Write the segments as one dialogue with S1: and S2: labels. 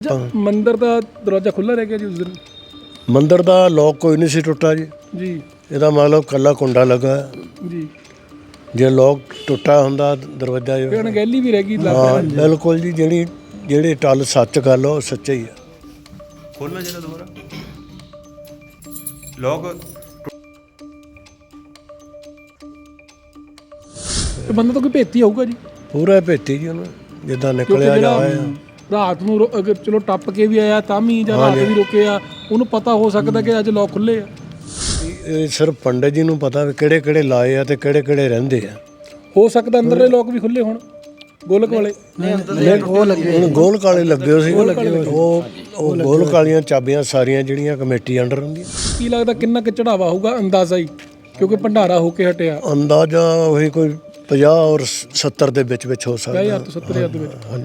S1: ਮੰਦਿਰ ਦਾ ਦਰਵਾਜ਼ਾ ਖੁੱਲ੍ਹਾ ਰਹਿ ਗਿਆ ਜੀ ਉਸ ਦਿਨ।
S2: ਮੰਦਿਰ ਦਾ ਲੋਕ ਕੋਈ ਨਹੀਂ ਸੀ ਟੁੱਟਾ ਜੀ। ਇਹਦਾ ਮਤਲਬ ਕੱਲਾ ਕੁੰਡਾ ਲੱਗਾ
S1: ਜੀ।
S2: ਜੇ ਲੋਕ ਟੁੱਟਾ ਹੁੰਦਾ ਦਰਵਾਜ਼ਾ
S1: ਅਣਗਹਿਲੀ ਵੀ ਰਹਿ ਗਈ।
S2: ਹਾਂ ਬਿਲਕੁਲ ਜੀ। ਜਿਹੜੀ ਟੱਲ ਸੱਚ ਗੱਲ ਉਹ ਸੱਚਾ ਹੀ ਆ।
S3: ਖੋਲਣਾ ਜਿਹੜਾ ਦੁਬਾਰਾ ਲੋਕ
S1: ਬੰਦਾ ਤਾਂ ਕੋਈ ਭੇਤੀ ਹੋਊਗਾ ਜੀ।
S2: ਪੂਰਾ ਭੇਤੀ ਜੀ ਉਹਨੂੰ ਜਿੱਦਾਂ ਨਿਕਲਿਆ ਜਾਇਆ
S1: ਰਾਤ ਨੂੰ ਅਗਰ ਚਲੋ ਟੱਪ ਕੇ ਵੀ ਆਇਆ ਤਾਂ ਵੀ ਜਾਂ ਰਾਤ ਵੀ ਰੁਕਿਆ ਉਹਨੂੰ ਪਤਾ ਹੋ ਸਕਦਾ ਕਿ ਅੱਜ ਲੋਕ ਖੁੱਲੇ ਆ।
S2: ਇਹ ਸਿਰਫ ਪੰਡਿਤ ਜੀ ਨੂੰ ਪਤਾ ਵੀ ਕਿਹੜੇ ਕਿਹੜੇ ਲਾਏ ਆ ਤੇ ਕਿਹੜੇ ਕਿਹੜੇ ਰਹਿੰਦੇ ਆ।
S1: ਹੋ ਸਕਦਾ ਅੰਦਰਲੇ ਲੋਕ ਵੀ ਖੁੱਲੇ ਹੋਣ ਗੋਲਕ ਵਾਲੇ।
S2: ਹੁਣ ਗੋਲਕ ਵਾਲੇ ਲੱਗੇ ਹੋਏ ਸੀ। ਉਹ ਗੋਲਕ ਵਾਲੀਆਂ ਚਾਬੀਆਂ ਸਾਰੀਆਂ ਜਿਹੜੀਆਂ ਕਮੇਟੀ ਅੰਡਰ ਹੁੰਦੀਆਂ।
S1: ਕੀ ਲੱਗਦਾ ਕਿੰਨਾ ਕੁ ਚੜਾਵਾ ਹੋਊਗਾ ਅੰਦਾਜ਼ਾ ਹੀ ਕਿਉਂਕਿ ਭੰਡਾਰਾ ਹੋ ਕੇ ਹਟਿਆ।
S2: ਅੰਦਾਜ਼ਾ ਉਹੀ ਕੋਈ 50 ਔਰ 70 ਦੇ ਵਿੱਚ ਹੋ ਸਕਦਾ।
S1: 50,000 ਤੋਂ 70,000 ਦੇ ਵਿੱਚ।
S2: ਹਾਂਜੀ।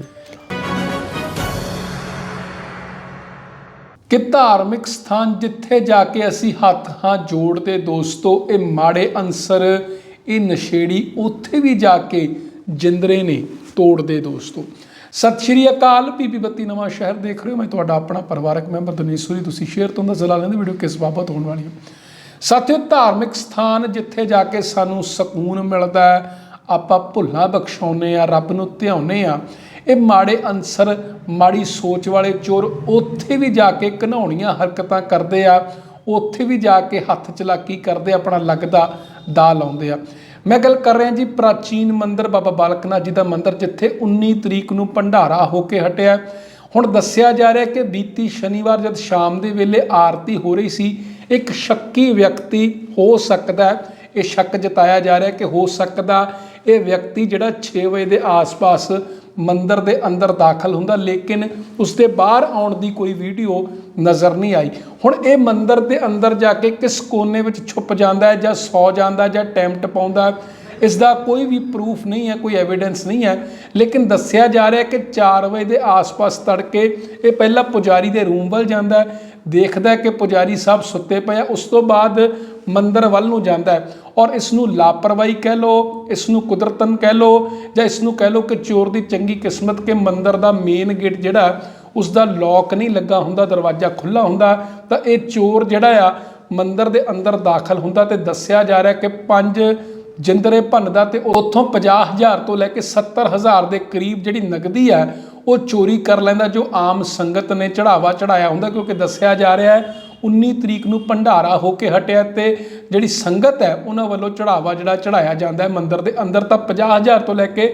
S1: ਕਿ ਧਾਰਮਿਕ ਸਥਾਨ ਜਿੱਥੇ ਜਾ ਕੇ ਅਸੀਂ ਹੱਥ ਜੋੜਦੇ ਦੋਸਤੋ, ਇਹ ਮਾੜੇ ਅਨਸਰ, ਇਹ ਨਸ਼ੇੜੀ ਉੱਥੇ ਵੀ ਜਾ ਕੇ ਜਿੰਦਰੇ ਨੇ ਤੋੜਦੇ ਦੋਸਤੋ। ਸਤਿ ਸ਼੍ਰੀ ਅਕਾਲ। ਪੀਪੀ ਬੱਤੀ ਨਵਾਂ ਸ਼ਹਿਰ ਦੇਖ ਰਹੇ ਹੋ। ਮੈਂ ਤੁਹਾਡਾ ਆਪਣਾ ਪਰਿਵਾਰਕ ਮੈਂਬਰ ਦਨੀਸ਼ੂਰੀ। ਤੁਸੀਂ ਸ਼ੇਅਰ ਤੋਂ ਅੰਦਾਜ਼ਾ ਲਾ ਲੈਂਦੇ ਵੀਡੀਓ ਕਿਸ ਬਾਬਤ ਹੋਣ ਵਾਲੀ ਹੈ। ਸਾਥੀਓ, ਧਾਰਮਿਕ ਸਥਾਨ ਜਿੱਥੇ ਜਾ ਕੇ ਸਾਨੂੰ ਸਕੂਨ ਮਿਲਦਾ ਹੈ, ਆਪਾਂ ਭੁੱਲਾਂ ਬਖਸ਼ਾਉਂਦੇ ਆ, ਰੱਬ ਨੂੰ ਧਿਆਉਂਦੇ ਆ, ਇਹ ਮਾੜੇ ਅਨਸਰ, ਮਾੜੀ ਸੋਚ ਵਾਲੇ ਚੋਰ ਉੱਥੇ ਵੀ ਜਾ ਕੇ ਘਿਨਾਉਣੀਆਂ ਹਰਕਤਾਂ ਕਰਦੇ ਆ। ਉੱਥੇ ਵੀ ਜਾ ਕੇ ਹੱਥ ਚਲਾਕੀ ਕਰਦੇ, ਆਪਣਾ ਲੱਗਦਾ ਦਾ ਲਾਉਂਦੇ ਆ। ਮੈਂ ਗੱਲ ਕਰ ਰਿਹਾ ਜੀ ਪ੍ਰਾਚੀਨ ਮੰਦਿਰ ਬਾਬਾ ਬਾਲਕ ਨਾਥ ਜੀ ਦਾ ਮੰਦਿਰ, ਜਿੱਥੇ 19 ਤਰੀਕ ਨੂੰ ਭੰਡਾਰਾ ਹੋ ਕੇ ਹਟਿਆ। ਹੁਣ ਦੱਸਿਆ ਜਾ ਰਿਹਾ ਕਿ ਬੀਤੀ ਸ਼ਨੀਵਾਰ ਜਦ ਸ਼ਾਮ ਦੇ ਵੇਲੇ ਆਰਤੀ ਹੋ ਰਹੀ ਸੀ, ਇੱਕ ਸ਼ੱਕੀ ਵਿਅਕਤੀ ਹੋ ਸਕਦਾ, ਇਹ ਸ਼ੱਕ ਜਤਾਇਆ ਜਾ ਰਿਹਾ ਕਿ ਹੋ ਸਕਦਾ ਇਹ ਵਿਅਕਤੀ ਜਿਹੜਾ 6 ਵਜੇ ਦੇ ਆਸ-ਪਾਸ ਮੰਦਿਰ ਦੇ ਅੰਦਰ ਦਾਖਲ ਹੁੰਦਾ, ਲੇਕਿਨ ਉਸਦੇ ਬਾਹਰ ਆਉਣ ਦੀ ਕੋਈ ਵੀਡੀਓ ਨਜ਼ਰ ਨਹੀਂ ਆਈ। ਹੁਣ ਇਹ ਮੰਦਿਰ ਦੇ ਅੰਦਰ ਜਾ ਕੇ ਕਿਸ ਕੋਨੇ ਵਿੱਚ ਛੁਪ ਜਾਂਦਾ ਹੈ ਜਾਂ ਸੌ ਜਾਂਦਾ ਜਾਂ ਟੈਂਟ ਪਾਉਂਦਾ, ਇਸ ਦਾ ਕੋਈ ਵੀ ਪ੍ਰੂਫ ਨਹੀਂ ਹੈ, ਕੋਈ ਐਵੀਡੈਂਸ ਨਹੀਂ ਹੈ। ਲੇਕਿਨ ਦੱਸਿਆ ਜਾ ਰਿਹਾ ਕਿ 4 ਵਜੇ ਦੇ ਆਸ-ਪਾਸ ਤੜਕੇ ਇਹ ਪਹਿਲਾਂ ਪੁਜਾਰੀ ਦੇ ਰੂਮ ਵੱਲ ਜਾਂਦਾ, ਦੇਖਦਾ ਕਿ ਪੁਜਾਰੀ ਸਾਹਿਬ ਸੁੱਤੇ ਪਏ ਆ, ਉਸ ਤੋਂ ਬਾਅਦ ਮੰਦਿਰ ਵੱਲ ਨੂੰ ਜਾਂਦਾ ਹੈ। ਔਰ ਇਸ ਨੂੰ ਲਾਪਰਵਾਹੀ ਕਹਿ ਲਓ, ਇਸ ਨੂੰ ਕੁਦਰਤਨ ਕਹਿ ਲਓ, ਜਾਂ ਇਸ ਨੂੰ ਕਹਿ ਲਓ ਕਿ ਚੋਰ ਦੀ ਚੰਗੀ ਕਿਸਮਤ ਕਿ ਮੰਦਿਰ ਦਾ ਮੇਨ ਗੇਟ ਜਿਹੜਾ ਉਸ ਦਾ ਲੌਕ ਨਹੀਂ ਲੱਗਾ ਹੁੰਦਾ, ਦਰਵਾਜ਼ਾ ਖੁੱਲ੍ਹਾ ਹੁੰਦਾ, ਤਾਂ ਇਹ ਚੋਰ ਜਿਹੜਾ ਆ ਮੰਦਿਰ ਦੇ ਅੰਦਰ ਦਾਖਲ ਹੁੰਦਾ। ਤੇ ਦੱਸਿਆ ਜਾ ਰਿਹਾ ਕਿ 5 ਜਿੰਦਰੇ ਭੰਨਦਾ ਤੇ ਉੱਥੋਂ 50,000 ਤੋਂ ਲੈ ਕੇ 70,000 ਦੇ ਕਰੀਬ ਜਿਹੜੀ ਨਗਦੀ ਹੈ ਉਹ ਚੋਰੀ ਕਰ ਲੈਂਦਾ, ਜੋ ਆਮ ਸੰਗਤ ਨੇ ਚੜਾਵਾ ਚੜਾਇਆ ਹੁੰਦਾ। ਕਿਉਂਕਿ ਦੱਸਿਆ ਜਾ ਰਿਹਾ ਹੈ 19 ਤਰੀਕ ਨੂੰ ਭੰਡਾਰਾ ਹੋ ਕੇ ਹਟਿਆ ਤੇ ਜਿਹੜੀ ਸੰਗਤ ਹੈ ਉਹਨਾਂ ਵੱਲੋਂ ਚੜਾਵਾ ਜਿਹੜਾ ਚੜਾਇਆ ਜਾਂਦਾ ਹੈ ਮੰਦਿਰ ਦੇ ਅੰਦਰ, ਤਾਂ 50,000 ਤੋਂ ਲੈ ਕੇ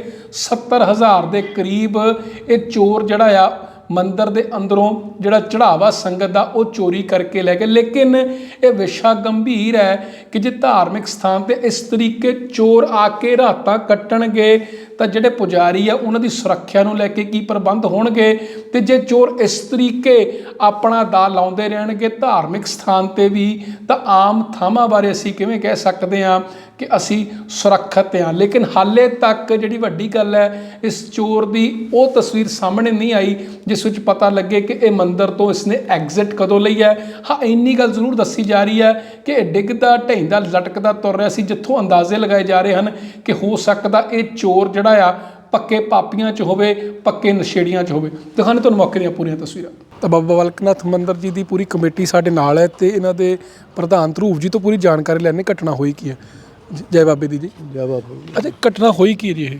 S1: 70,000 ਦੇ ਕਰੀਬ ਇਹ ਚੋਰ ਜਿਹੜਾ ਆ ਮੰਦਿਰ ਦੇ ਅੰਦਰੋਂ ਜਿਹੜਾ ਚੜਾਵਾ ਸੰਗਤ ਦਾ ਉਹ ਚੋਰੀ ਕਰਕੇ ਲੈ ਗਏ। ਲੇਕਿਨ ਇਹ ਵਿਸ਼ਾ ਗੰਭੀਰ ਹੈ ਕਿ ਜੇ ਧਾਰਮਿਕ ਸਥਾਨ ਤੇ ਇਸ ਤਰੀਕੇ ਚੋਰ ਆ ਕੇ ਰਾਤਾਂ ਕੱਟਣਗੇ ਤਾਂ ਜਿਹੜੇ ਪੁਜਾਰੀ ਆ ਉਹਨਾਂ ਦੀ ਸੁਰੱਖਿਆ ਨੂੰ ਲੈ ਕੇ ਕੀ ਪ੍ਰਬੰਧ ਹੋਣਗੇ। ਤੇ ਜੇ ਚੋਰ ਇਸ ਤਰੀਕੇ ਆਪਣਾ ਦਾ ਲਾਉਂਦੇ ਰਹਿਣਗੇ ਧਾਰਮਿਕ ਸਥਾਨ ਤੇ ਵੀ, ਤਾਂ ਆਮ ਥਾਵਾਂ ਬਾਰੇ ਅਸੀਂ ਕਿਵੇਂ ਕਹਿ ਸਕਦੇ ਹਾਂ ਕਿ ਅਸੀਂ ਸੁਰੱਖਿਅਤ ਹਾਂ। ਲੇਕਿਨ ਹਾਲੇ ਤੱਕ ਜਿਹੜੀ ਵੱਡੀ ਗੱਲ ਹੈ, ਇਸ ਚੋਰ ਦੀ ਉਹ ਤਸਵੀਰ ਸਾਹਮਣੇ ਨਹੀਂ ਆਈ ਜਿਸ ਵਿੱਚ ਪਤਾ ਲੱਗੇ ਕਿ ਇਹ ਮੰਦਿਰ ਤੋਂ ਇਸਨੇ ਐਗਜ਼ਿਟ ਕਦੋਂ ਲਈ ਹੈ। ਹਾਂ, ਇੰਨੀ ਗੱਲ ਜ਼ਰੂਰ ਦੱਸੀ ਜਾ ਰਹੀ ਹੈ ਕਿ ਇਹ ਡਿੱਗਦਾ ਢਹਿੰਦਾ ਲਟਕਦਾ ਤੁਰ ਰਿਹਾ ਸੀ, ਜਿੱਥੋਂ ਅੰਦਾਜ਼ੇ ਲਗਾਏ ਜਾ ਰਹੇ ਹਨ ਕਿ ਹੋ ਸਕਦਾ ਇਹ ਚੋਰ ਜਿਹੜਾ ਆ ਪੱਕੇ ਪਾਪੀਆਂ 'ਚ ਹੋਵੇ, ਪੱਕੇ ਨਸ਼ੇੜੀਆਂ 'ਚ ਹੋਵੇ। ਦਿਖਾਣੇ ਤੁਹਾਨੂੰ ਮੌਕੇ ਦੀਆਂ ਪੂਰੀਆਂ ਤਸਵੀਰਾਂ। ਤਾਂ ਬਾਬਾ ਬਾਲਕ ਨਾਥ ਮੰਦਿਰ ਜੀ ਦੀ ਪੂਰੀ ਕਮੇਟੀ ਸਾਡੇ ਨਾਲ ਹੈ ਤੇ ਇਹਨਾਂ ਦੇ ਪ੍ਰਧਾਨ ਧਰੂਪ ਜੀ ਤੋਂ ਪੂਰੀ ਜਾਣਕਾਰੀ ਲੈਣੇ ਘਟਨਾ ਹੋਈ ਕੀ ਹੈ। ਜੈ ਬਾਬੇ ਦੀ ਜੀ।
S2: ਜੈ ਬਾਬਾ।
S1: ਅੱਛਾ, ਘਟਨਾ ਹੋਈ ਕੀ ਹੈ ਜੀ?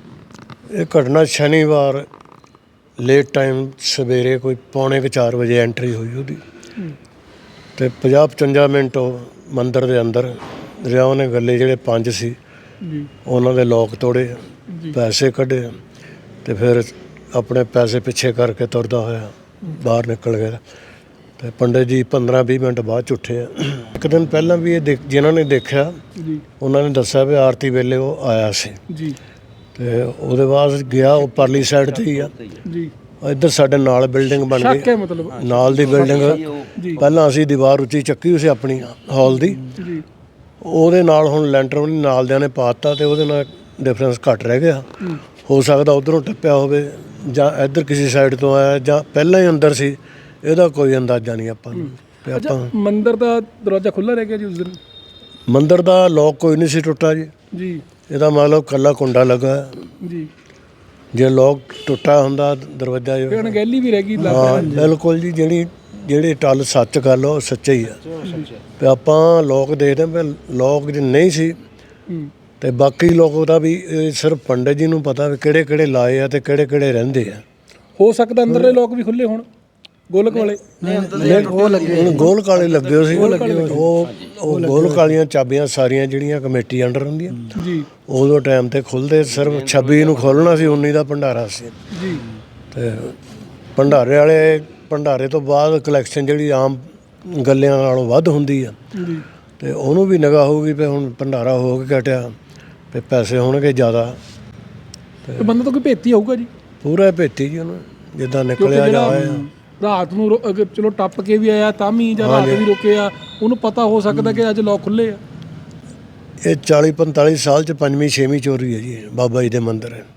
S2: ਇਹ ਘਟਨਾ ਸ਼ਨੀਵਾਰ ਲੇਟ ਟਾਈਮ ਸਵੇਰੇ ਕੋਈ 3:45 ਵਜੇ ਐਂਟਰੀ ਹੋਈ ਉਹਦੀ, ਤੇ 50-55 ਮਿੰਟ ਉਹ ਮੰਦਿਰ ਦੇ ਅੰਦਰ ਰਿਹਾ। ਉਹਨੇ ਗੱਲੇ ਜਿਹੜੇ 5 ਸੀ ਉਹਨਾਂ ਦੇ ਲੋਕ ਤੋੜੇ, ਪੈਸੇ ਕੱਢੇ ਤੇ ਫਿਰ ਆਪਣੇ ਪੈਸੇ ਪਿੱਛੇ ਕਰਕੇ ਤੁਰਦਾ ਹੋਇਆ ਬਾਹਰ ਨਿਕਲ ਗਿਆ। ਤੇ ਪੰਡਿਤ ਜੀ 15-20 ਮਿੰਟ ਬਾਅਦ 'ਚ ਉੱਠੇ ਆ। ਇੱਕ ਦਿਨ ਪਹਿਲਾਂ ਵੀ ਇਹ ਜਿਨ੍ਹਾਂ ਨੇ ਦੇਖਿਆ ਉਹਨਾਂ ਨੇ ਦੱਸਿਆ ਵੀ ਆਰਤੀ ਵੇਲੇ ਉਹ ਆਇਆ ਸੀ ਜੀ। ਤੇ ਉਹਦੇ ਬਾਅਦ ਗਿਆ ਉਹ ਪਰਲੀ ਸਾਈਡ 'ਤੇ ਹੀ ਆ ਜੀ। ਇੱਧਰ ਸਾਡੇ ਨਾਲ ਬਿਲਡਿੰਗ ਬਣ ਗਈ, ਮਤਲਬ ਨਾਲ ਦੀ ਬਿਲਡਿੰਗ। ਪਹਿਲਾਂ ਅਸੀਂ ਦੀਵਾਰ ਉੱਚੀ ਚੱਕੀ ਹੋਈ ਸੀ ਆਪਣੀ ਹਾਲ ਦੀ, ਉਹਦੇ ਨਾਲ ਹੁਣ ਲੈਂਟਰ ਵੀ ਨਾਲ ਦਿਆਂ ਨੇ ਪਾਤਾ ਤੇ ਉਹਦੇ ਨਾਲ ਡਿਫਰੈਂਸ ਘੱਟ ਰਹਿ ਗਿਆ। ਹੋ ਸਕਦਾ ਉੱਧਰੋਂ ਟੱਪਿਆ ਹੋਵੇ ਜਾਂ ਇੱਧਰ ਕਿਸੇ ਸਾਈਡ ਤੋਂ ਆਇਆ ਜਾਂ ਪਹਿਲਾਂ ਹੀ ਅੰਦਰ ਸੀ, ਇਹਦਾ ਕੋਈ ਅੰਦਾਜ਼ਾ ਨਹੀਂ ਆਪਾਂ ਨੂੰ।
S1: ਮੰਦਿਰ ਦਾ ਦਰਵਾਜ਼ਾ ਖੁੱਲ੍ਹਾ ਰਹਿ ਗਿਆ ਜੀ ਉਸ ਦਿਨ।
S2: ਮੰਦਿਰ ਦਾ ਲੋਕ ਕੋਈ ਨਹੀਂ ਸੀ ਟੁੱਟਾ ਜੀ। ਇਹਦਾ ਮਤਲਬ ਕੱਲਾ ਕੁੰਡਾ ਲੱਗਾ ਜੀ। ਜੇ ਲੋਕ ਟੁੱਟਾ ਹੁੰਦਾ ਦਰਵਾਜ਼ਾ
S1: ਫਿਰ ਅਣਗਹਿਲੀ ਵੀ ਰਹਿ ਗਈ
S2: ਹਾਂ
S1: ਲੱਗਦਾ।
S2: ਬਿਲਕੁਲ ਜੀ, ਜਿਹੜੀ ਟੱਲ ਸੱਚ ਗੱਲ ਉਹ ਸੱਚਾ ਹੀ ਆ। ਤੇ ਆਪਾਂ ਲੋਕ ਦੇਖਦੇ ਵੀ ਲੋਕ ਜੇ ਨਹੀਂ ਸੀ ਤੇ ਬਾਕੀ ਲੋਕ ਦਾ ਵੀ ਇਹ ਸਿਰਫ ਪੰਡਿਤ ਜੀ ਨੂੰ ਪਤਾ ਵੀ ਕਿਹੜੇ ਕਿਹੜੇ ਲਾਏ ਆ ਤੇ ਕਿਹੜੇ ਕਿਹੜੇ ਰਹਿੰਦੇ ਆ।
S1: ਹੋ ਸਕਦਾ ਅੰਦਰਲੇ ਲੋਕ ਵੀ ਖੁੱਲੇ ਹੋਣ, ਗੋਲਕ ਵਾਲੇ
S2: ਉਹ ਲੱਗੇ ਗੋਲਕ ਵਾਲੇ ਲੱਗੇ ਹੋਏ ਸੀ। ਉਹ ਗੋਲਕ ਵਾਲੀਆਂ ਚਾਬੀਆਂ ਸਾਰੀਆਂ ਜਿਹੜੀਆਂ ਕਮੇਟੀ ਅੰਡਰ ਹੁੰਦੀਆਂ
S1: ਜੀ,
S2: ਉਦੋਂ ਟਾਈਮ ਤੇ ਖੁੱਲਦੇ ਸਿਰਫ 26 ਨੂੰ ਖੋਲ੍ਹਣਾ ਸੀ, 19 ਦਾ ਭੰਡਾਰਾ ਸੀ।
S1: ਜੀ,
S2: ਤੇ ਭੰਡਾਰੇ ਤੋਂ ਬਾਅਦ ਕਲੈਕਸ਼ਨ ਜਿਹੜੀ ਆਮ ਗੱਲਿਆਂ ਨਾਲੋਂ ਵੱਧ ਹੁੰਦੀ ਆ
S1: ਜੀ,
S2: ਤੇ ਉਹਨੂੰ ਵੀ ਨਿਗਾਹ ਹੋਊਗੀ ਵੀ ਹੁਣ ਭੰਡਾਰਾ ਹੋ ਕੇ ਘਟਿਆ ਤੇ ਪੈਸੇ ਹੋਣਗੇ ਜ਼ਿਆਦਾ।
S1: ਤੇ ਬੰਦਾ ਤਾਂ ਕੋਈ ਭੇਤੀ ਹੋਊਗਾ ਜੀ,
S2: ਪੂਰਾ ਭੇਤੀ ਜੀ ਉਹਨੂੰ ਜਿੱਦਾਂ
S1: ਕਿਉਂਕਿ
S2: ਨਿਕਲਿਆ
S1: ਜਿਹੜਾ
S2: ਜਾਇਆ।
S1: ਰਾਤ ਨੂੰ ਅਗਰ ਚਲੋ ਟੱਪ ਕੇ ਵੀ ਆਇਆ ਤਾਂ ਵੀ ਜਾਂ ਰਾਤ ਵੀ ਰੁਕਿਆ, ਉਹਨੂੰ ਪਤਾ ਹੋ ਸਕਦਾ ਕਿ ਅੱਜ ਲੋਕ ਖੁੱਲੇ ਆ।
S2: ਇਹ 40-45 ਸਾਲ ਚ 5ਵੀਂ 6ਵੀਂ ਚੋਰੀ ਹੈ ਜੀ ਬਾਬਾ ਜੀ ਦੇ ਮੰਦਿਰ ਹੈ।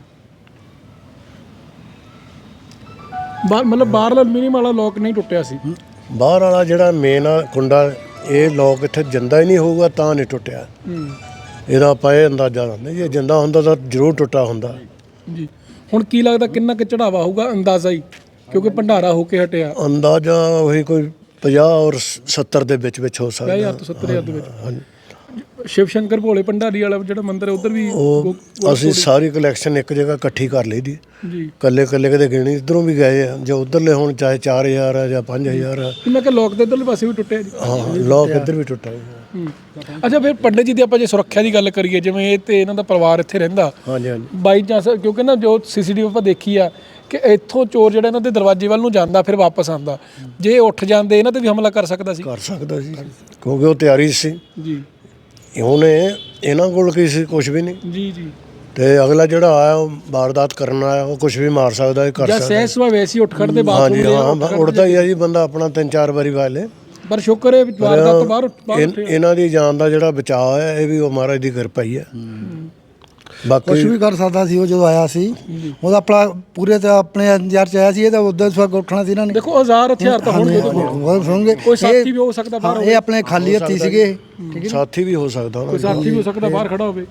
S1: ਮਤਲਬ ਬਾਹਰਲਾ ਮਿਨੀਮਮ ਵਾਲਾ ਲੋਕ ਨਹੀਂ ਟੁੱਟਿਆ ਸੀ।
S2: ਬਾਹਰ ਵਾਲਾ ਜਿਹੜਾ ਮੇਨ ਆ ਕੁੰਡਾ, ਇਹ ਲੋਕ ਇੱਥੇ ਜਿੰਦਾ ਹੀ ਨਹੀਂ ਹੋਊਗਾ ਤਾਂ ਨਹੀਂ ਟੁੱਟਿਆ। ਇਹਦਾ ਆਪਾਂ ਇਹ ਅੰਦਾਜ਼ਾ ਲਾਉਂਦੇ ਜੇ ਜਿੰਦਾ ਹੁੰਦਾ ਤਾਂ ਜ਼ਰੂਰ ਟੁੱਟਾ ਹੁੰਦਾ
S1: ਜੀ। ਹੁਣ ਕੀ ਲੱਗਦਾ ਕਿੰਨਾ ਕੁ ਚੜਾਵਾ ਹੋਊਗਾ ਅੰਦਾਜ਼ਾ ਹੀ, ਕਿਉਂਕਿ ਭੰਡਾਰਾ ਹੋ ਕੇ ਹਟਿਆ।
S2: ਅੰਦਾਜ਼ਾ ਉਹੀ ਕੋਈ 50 ਔਰ 70 ਦੇ ਵਿੱਚ ਹੋ ਸਕਦਾ।
S1: 50,000 ਤੋਂ 70,000 ਦੇ ਵਿੱਚ। ਸ਼ਿਵ ਸ਼ੰਕਰ ਭੋਲੇ ਭੰਡਾਰੀ ਵਾਲਾ ਜਿਹੜਾ ਮੰਦਿਰ ਹੈ ਉਧਰ ਵੀ
S2: ਉਹ ਅਸੀਂ ਸਾਰੀ ਕਲੈਕਸ਼ਨ ਇੱਕ ਜਗ੍ਹਾ ਇਕੱਠੀ ਕਰ ਲਈ ਦੀ
S1: ਜੀ।
S2: ਕੱਲੇ ਕਿਤੇ ਗਿਣੀ ਇੱਧਰੋਂ ਵੀ ਗਏ ਆ, ਜੇ ਉਧਰਲੇ ਹੁਣ ਚਾਹੇ 4,000 ਆ ਜਾਂ 5,000 ਆ।
S1: ਮੈਂ ਕਿਹਾ ਲੋਕ ਦੇ ਇੱਧਰਲੇ ਪਾਸੇ ਵੀ ਟੁੱਟਿਆ ਜੀ।
S2: ਹਾਂ ਲੋਕ ਇੱਧਰ ਵੀ ਟੁੱਟਾ।
S1: ਅੱਛਾ, ਫਿਰ ਪੰਡਿਤ ਜੀ ਦੀ ਆਪਾਂ ਜੇ ਸੁਰੱਖਿਆ ਦੀ ਗੱਲ ਕਰੀਏ, ਜਿਵੇਂ ਇਹ ਤੇ ਇਹਨਾਂ ਦਾ ਪਰਿਵਾਰ ਇੱਥੇ ਰਹਿੰਦਾ,
S2: ਹਾਂਜੀ ਹਾਂਜੀ
S1: ਬਾਈ ਚਾਂਸ ਕਿਉਂਕਿ ਨਾ ਜੋ ਸੀਸੀਟੀਵੀ ਆਪਾਂ ਦੇਖੀ ਆ ਕਿ ਇੱਥੋਂ ਚੋਰ ਜਿਹੜਾ ਇਹਨਾਂ ਦੇ ਦਰਵਾਜ਼ੇ ਵੱਲ ਨੂੰ ਜਾਂਦਾ ਫਿਰ ਵਾਪਸ ਆਉਂਦਾ, ਜੇ ਉੱਠ ਜਾਂਦੇ ਇਹਨਾਂ ਤੇ ਵੀ ਹਮਲਾ ਕਰ ਸਕਦਾ ਸੀ।
S2: ਕਰ ਸਕਦਾ ਸੀ ਕਿਉਂਕਿ ਉਹ ਤਿਆਰੀ ਸੀ
S1: ਜੀ
S2: ਉਹਨੇ, ਇਹਨਾਂ ਕੋਲ ਕੀ ਸੀ, ਕੁਝ ਵੀ ਨਹੀਂ।
S1: ਜੀ ਜੀ।
S2: ਤੇ ਅਗਲਾ ਜਿਹੜਾ ਆਇਆ ਉਹ ਵਾਰਦਾਤ ਕਰਨ ਆਇਆ, ਉਹ ਕੁਝ ਵੀ ਮਾਰ ਸਕਦਾ ਹੈ, ਕਰ
S1: ਜਾਂ
S2: ਸਕਦਾ।
S1: ਸਹਿਜ ਸੁਭਾਅ ਵੈਸੀ ਉੱਠ ਖੜਦੇ
S2: ਹਾਂਜੀ
S1: ਬਾਥਰੂਮ
S2: ਹਾਂ, ਉੱਠਦਾ ਹੀ ਆ ਜੀ ਬੰਦਾ ਆਪਣਾ 3-4 ਵਾਰੀ ਵਾਲੇ।
S1: ਪਰ ਸ਼ੁਕਰ ਹੈ ਵਾਰਦਾਤ ਤੋਂ ਬਾਹਰ ਉੱਠੇ।
S2: ਇਹਨਾਂ ਦੀ ਜਾਨ ਦਾ ਜਿਹੜਾ ਬਚਾਅ ਹੈ ਇਹ ਵੀ ਉਹ ਮਹਾਰਾਜ ਦੀ ਕਿਰਪਾ ਹੀ ਹੈ।
S4: ਕੁਛ
S2: ਬਾਕੀ
S4: ਵੀ ਕਰ ਸਕਦਾ ਸੀ ਉਹ ਜਦੋਂ ਆਇਆ ਸੀ, ਉਹਦਾ ਆਪਣਾ ਪੂਰੇ ਤੇ ਆਪਣੇ ਅੰਜਾਰ ਚ ਆਇਆ ਸੀ। ਇਹ ਤਾਂ ਉਦੋਂ ਸਵਾਗ ਉੱਠਣਾ ਸੀ ਇਹਨਾਂ ਨੇ।
S1: ਦੇਖੋ ਹਜ਼ਾਰ ਹਥਿਆਰ ਤਾਂ ਹੋਣਗੇ ਉਹਦੇ ਕੋਲ।
S4: ਸੁਣਗੇ
S1: ਕੋਈ ਸਾਥੀ ਵੀ ਹੋ ਸਕਦਾ ਬਾਹਰ,
S4: ਇਹ ਆਪਣੇ ਖਾਲੀ ਹੱਥੀ ਸੀਗੇ।
S2: ਸਾਥੀ ਵੀ ਹੋ ਸਕਦਾ
S1: ਕੋਈ ਸਾਥੀ ਵੀ ਹੋ ਸਕਦਾ ਬਾਹਰ ਖੜਾ ਹੋਵੇ।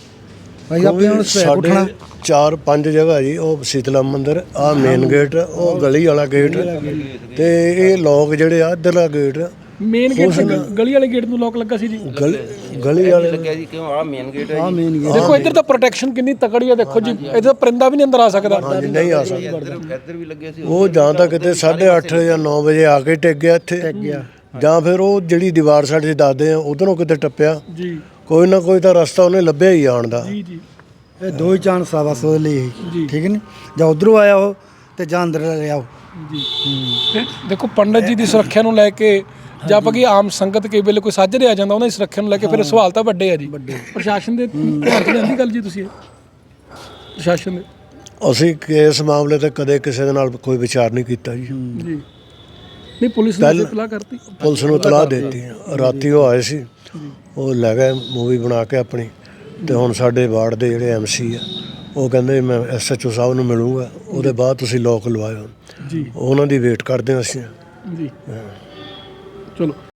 S4: ਭਾਈ ਆਪਣੇ ਹੁਣ
S2: ਸਾਡੇ 4-5 ਜਗ੍ਹਾ ਜੀ, ਉਹ ਸੀਤਲਾ ਮੰਦਿਰ, ਆ ਮੇਨ ਗੇਟ, ਉਹ ਗਲੀ ਵਾਲਾ ਗੇਟ, ਤੇ ਇਹ ਲੋਕ ਜਿਹੜੇ ਆ ਇੱਧਰਲਾ ਗੇਟ,
S1: ਮੇਨ ਗੇਟ ਤੇ ਗਲੀ ਵਾਲੇ ਗੇਟ ਨੂੰ ਲੋਕ ਲੱਗਾ ਸੀ ਜੀ।
S2: ਗਲੀ ਵਾਲੇ
S3: ਲੱਗਿਆ ਜੀ ਕਿਉਂ ਆ ਮੇਨ ਗੇਟ ਹੈ ਜੀ।
S1: ਦੇਖੋ ਇੱਧਰ ਤਾਂ ਪ੍ਰੋਟੈਕਸ਼ਨ ਕਿੰਨੀ ਤਕੜੀ ਆ, ਦੇਖੋ ਜੀ ਇੱਧਰ ਪਰਿੰਦਾ ਵੀ ਨਹੀਂ ਅੰਦਰ ਆ ਸਕਦਾ।
S2: ਨਹੀਂ ਆ ਸਕਦਾ।
S3: ਇੱਧਰ ਵੀ ਲੱਗਿਆ ਸੀ।
S2: ਉਹ ਜਾਂ ਤਾਂ ਕਿਤੇ 8:30 ਜਾਂ 9 ਵਜੇ ਆ ਕੇ ਟਿਕ ਗਿਆ ਇੱਥੇ, ਜਾਂ ਫਿਰ ਉਹ ਜਿਹੜੀ ਦੀਵਾਰ ਸਾਡੇ ਦੱਸਦੇ ਆ ਉਧਰੋਂ ਕਿਤੇ ਟੱਪਿਆ।
S1: ਜੀ,
S2: ਕੋਈ ਨਾ ਕੋਈ ਤਾਂ ਰਸਤਾ ਉਹਨੇ ਲੱਭਿਆ ਹੀ ਆਉਣ ਦਾ।
S1: ਜੀ ਜੀ
S4: ਇਹ ਦੋ ਹੀ ਚਾਂਸ ਆ ਬਸ ਉਹਦੇ ਲਈ, ਠੀਕ ਨਹੀਂ, ਜਾਂ ਉਧਰੋਂ ਆਇਆ ਉਹ ਤੇ ਜਾਂ ਅੰਦਰ ਰਿਹਾ ਉਹ।
S1: ਜੀ। ਤੇ ਦੇਖੋ ਪੰਡਤ ਜੀ ਦੀ ਸੁਰੱਖਿਆ ਨੂੰ ਲੈ ਕੇ ਜਾਂ ਆਪਾਂ ਕੀ ਆਮ ਸੰਗਤ ਕਈ ਵੇਲੇ ਕੋਈ ਸਾਜਰੇ ਆ ਜਾਂਦਾ, ਉਹਨਾਂ ਦੀ ਸੁਰੱਖਿਆ ਨੂੰ ਲੈ ਕੇ ਫਿਰ ਸਵਾਲ ਤਾਂ ਵੱਡੇ ਆ ਜੀ। ਪ੍ਰਸ਼ਾਸਨ ਦੇ ਧਿਆਨ 'ਚ ਲਿਆਂਦੀ ਗੱਲ ਜੀ ਤੁਸੀਂ ਇਹ? ਪ੍ਰਸ਼ਾਸਨ ਦੇ
S2: ਅਸੀਂ ਇਸ ਮਾਮਲੇ ਤੇ ਕਦੇ ਕਿਸੇ ਦੇ ਨਾਲ ਕੋਈ ਵਿਚਾਰ ਨਹੀਂ ਕੀਤਾ ਜੀ।
S1: ਜੀ ਨਹੀਂ, ਪੁਲਿਸ ਨੇ ਇਤਲਾਹ ਕਰਤੀ?
S2: ਪੁਲਿਸ ਨੂੰ ਇਤਲਾਹ ਦਿੱਤੀ, ਰਾਤੀ ਉਹ ਆਏ ਸੀ, ਉਹ ਲੈ ਗਏ ਮੂਵੀ ਬਣਾ ਕੇ ਆਪਣੀ। ਤੇ ਹੁਣ ਸਾਡੇ ਵਾਰਡ ਦੇ ਜਿਹੜੇ MC ਆ ਉਹ ਕਹਿੰਦੇ ਮੈਂ SHO ਸਾਹਿਬ ਨੂੰ ਮਿਲੂੰਗਾ, ਉਹਦੇ ਬਾਅਦ ਤੁਸੀਂ ਲੋਕ ਲਵਾਇਓ ਜੀ। ਉਹਨਾਂ ਦੀ ਵੇਟ ਕਰਦੇ ਹਾਂ ਅਸੀਂ
S1: ਜੀ। ਚਲੋ।